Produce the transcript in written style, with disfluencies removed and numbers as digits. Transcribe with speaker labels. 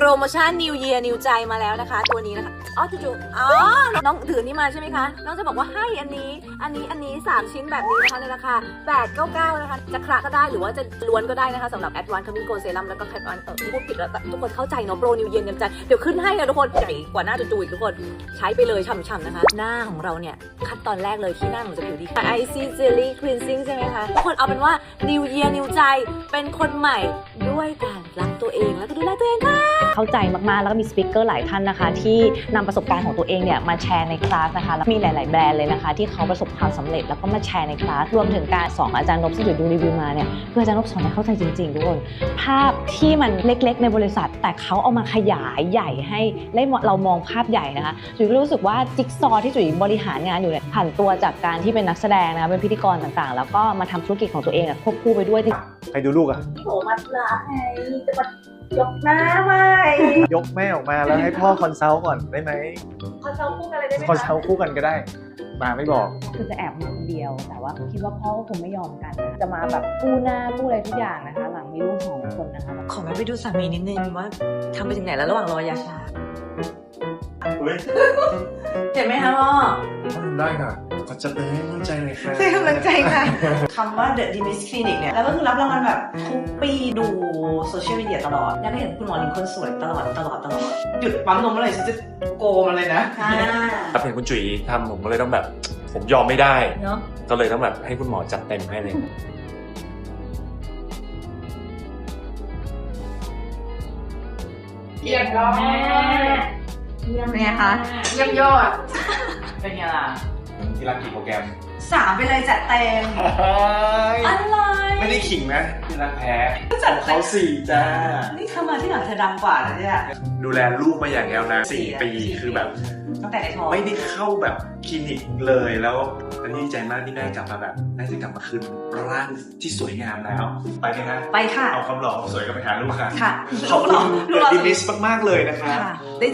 Speaker 1: รโมชั่น New Year New ใจมาแล้วนะคะตัวนี้นะคะจู่ๆน้องถือนี่มาใช่ไหมคะน้องจะบอกว่าให้อันนี้3ชิ้นแบบนี้นะคะในราคา899นะคะจะคละก็ได้หรือว่าจะล้วนก็ได้นะคะสำหรับ Advanced Coming Gold Serum แล้วก็ Advanced พูดผิดแล้วทุกคนเข้าใจเนาะโปร New Year New ใจเดี๋ยวขึ้นให้นะทุกคนใหญ่กว่าหน้าจู่ๆอีกทุกคนใช้ไปเลยฉ่ำๆนะคะหน้าของเราเนี่ยขั้นตอนแรกเลยที่หน้าของจะผิวดี Icy Jelly Cleansing ใช่ไหมคะทุกคนเอาเป็นว่า New Year New ใจเป็นคนใหม่ด้วยการรักตัวเองแล้วก็ดูแลตัวเองค่ะ
Speaker 2: เข้าใจมากๆแล้วก็มีสปีกเกอร์หลายท่านนะคะที่นำประสบการณ์ของตัวเองเนี่ยมาแชร์ในคลาสนะคะแล้วมีหลายๆแบรนด์เลยนะคะที่เขาประสบความสำเร็จแล้วก็มาแชร์ในคลาสรวมถึงการสอนอาจารย์นพที่ดูรีวิวมาเนี่ยเพื่ออาจารย์นพสอนให้เข้าใจจริงๆทุกคนภาพที่มันเล็กๆในบริษัทแต่เขาเอามาขยายใหญ่ให้เรามองภาพใหญ่นะคะจุ๋ยก็รู้สึกว่าจิ๊กซอว์ที่จุ๋ยบริหารงานอยู่เนี่ยผ่านตัวจากการที่เป็นนักแสดงนะคะเป็นพิธีกรต่างๆแล้วก็มาทำธุรกิจของตัวเองควบคู่ไปด้วย
Speaker 3: ใครดูลูกอะ
Speaker 1: โหมัดลาไงจะมายกหน้าไหม
Speaker 3: ยกแม่ออกมาแล้วให้พ่อคอนซัลท์ก่อนได้ไหม
Speaker 1: คอนซัลท์คู่กันเลยได้ไหม
Speaker 3: คอนซัลท์คู่กันก็ได้มาไม่บอก
Speaker 2: คือจะแอบมาคนเดียวแต่ว่าคิดว่าพ่อก็คงไม่ยอมกันจะมาแบบกู้หน้ากู้อะไรทุกอย่างนะคะหลังมีลูก2 คนนะคะ
Speaker 1: ขอแม่ไปดูสามีนิดนึงว่าทำไปถึงไหนแล้วระหว่างรอยาชาเห็นไหมคะพ่อ
Speaker 3: ได้ค่ะก็จะเป็นให้กำลังใจเลยค่ะ
Speaker 1: ให้กำลังใจค่ะคำว่า The Demis Clinic เนี่ยแล้วก็คือรับรางวัลแบบทุกปีดูโซเชียลมีเดียตลอดอยากให้เห็นคุณหมอหญิงคนสวยตลอดหยุดปั๊มนมเมื่อไหร่ฉันจะโกมันเลยนะครับ
Speaker 4: เห็นคุณจุ๋ยทำผมก็เลยต้องแบบผมยอมไม่ได้
Speaker 1: เนาะ
Speaker 4: ก็เลยต้องแบบให้คุณหมอจัดเต็มให้เลย
Speaker 1: เยี่ยมยอดเป็นไงคะเยี่ยมยอดเป็นไงล่ะ
Speaker 4: ที่รักกี่โปรแกรม
Speaker 1: 3ไปเลยจัดเต็มอะไร
Speaker 4: ไม่ได้ขิงนะที่รักแพ้ของเขา4จ้า
Speaker 1: นี่เข้ามาที่หลังเธอดังกว่านะเนี่ย
Speaker 4: ดูแลลูกมาอย่างยาวนาน4 ปีคือแบบ
Speaker 1: ตั้งแต่ในท้อง
Speaker 4: ไม่ได้เข้าแบบคลินิกเลยแล้วอันนี้ดีใจมากที่แม่กลับมาแบบน่าจะกลับมาคืนร่างที่สวยงามแล้วไปไหมคะ
Speaker 1: ไปค่ะ
Speaker 4: เอาคำหล่อสวยก็ไปหาลูกค่ะ
Speaker 1: ค่ะ
Speaker 4: ขอบคุณดิมิสมากๆเลยนะคะ